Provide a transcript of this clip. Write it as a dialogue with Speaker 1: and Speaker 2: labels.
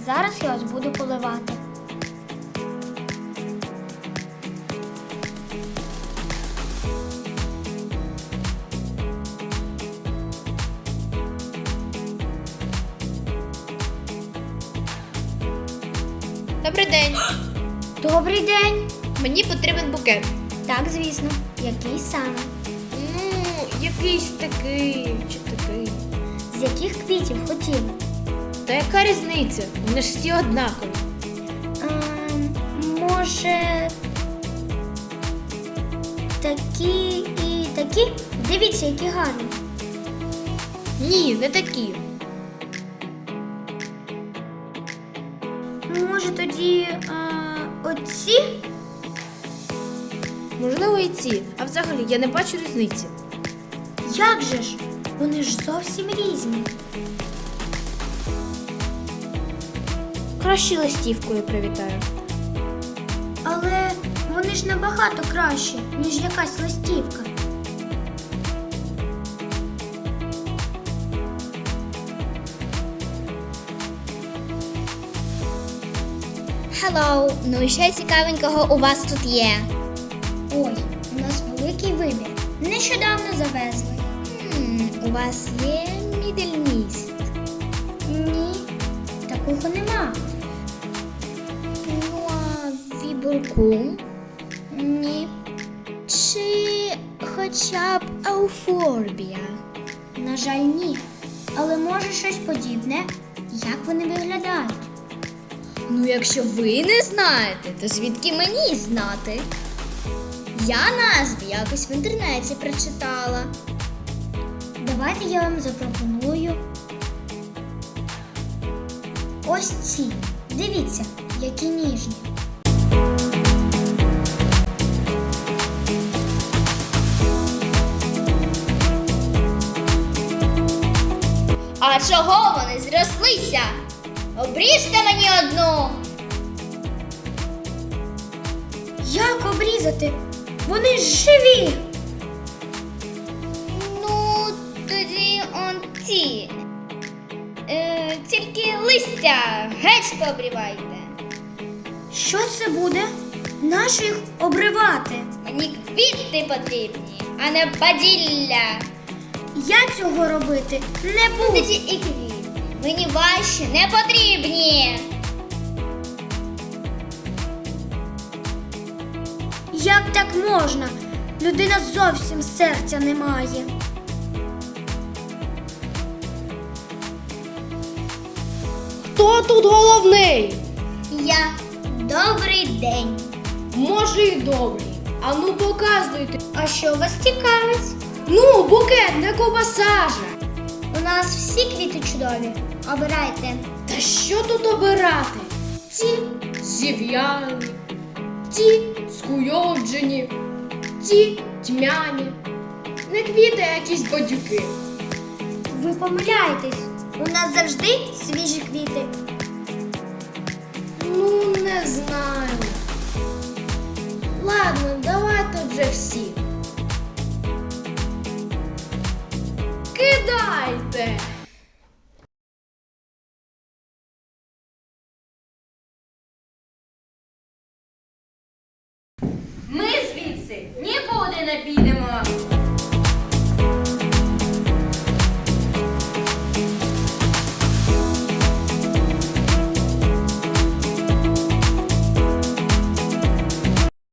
Speaker 1: зараз я ось буду поливати.
Speaker 2: Добрий день.
Speaker 1: Добрий день!
Speaker 2: Мені потрібен букет.
Speaker 1: Так, звісно. Який саме?
Speaker 2: Ну, якийсь такий чи такий.
Speaker 1: З яких квітів хотіли?
Speaker 2: Та яка різниця? Вони ж всі однакові.
Speaker 1: Може, такі і такі? Дивіться, які гарні.
Speaker 2: Ні, не такі.
Speaker 1: Може, тоді оці?
Speaker 2: Можливо, і ці. А взагалі я не бачу різниці.
Speaker 1: Як же ж? Вони ж зовсім різні.
Speaker 2: Краще листівкою привітаю.
Speaker 1: Але вони ж набагато краще, ніж якась листівка.
Speaker 3: Hello, ну і що цікавенького у вас тут є?
Speaker 1: Ой, у нас великий вибір. Нещодавно завезли.
Speaker 3: У вас є мідельміст?
Speaker 1: Ні, такого нема.
Speaker 3: Ну, а вібуркум?
Speaker 1: Ні.
Speaker 3: Чи хоча б ауфорбія?
Speaker 1: На жаль, ні. Але може щось подібне. Як вони виглядають?
Speaker 3: Ну, якщо ви не знаєте, то звідки мені знати? Я назви якось в інтернеті прочитала.
Speaker 1: Давайте я вам запропоную. Ось ці. Дивіться, які ніжні.
Speaker 3: А чого вони зрослися? Обріжте мені одну.
Speaker 1: Як обрізати? Вони ж живі!
Speaker 3: Ну, тоді он ті. Тільки листя геть пообрівайте.
Speaker 1: Що це буде? Нащо їх обривати?
Speaker 3: Мені квіти потрібні, а не баділля.
Speaker 1: Я цього робити не буду.
Speaker 3: Тоді і квіти. Мені ваші не потрібні.
Speaker 1: Як так можна? Людина зовсім серця не має.
Speaker 2: Хто тут головний?
Speaker 3: Я добрий день.
Speaker 2: Може, і добрий. А ну показуйте.
Speaker 1: А що вас цікавить?
Speaker 2: Ну, букет, не ковбаса же.
Speaker 1: У нас всі квіти чудові. Обирайте.
Speaker 2: Та що тут обирати? Ті зів'яні, ті скуйовджені, ті тьмяні. Не квіти, а якісь бадюки.
Speaker 1: Ви помиляєтесь. У нас завжди свіжі квіти.
Speaker 2: Ну, не знаю. Ладно, давайте вже всі. Кидайте!
Speaker 4: Ми звідси нікуди не підемо.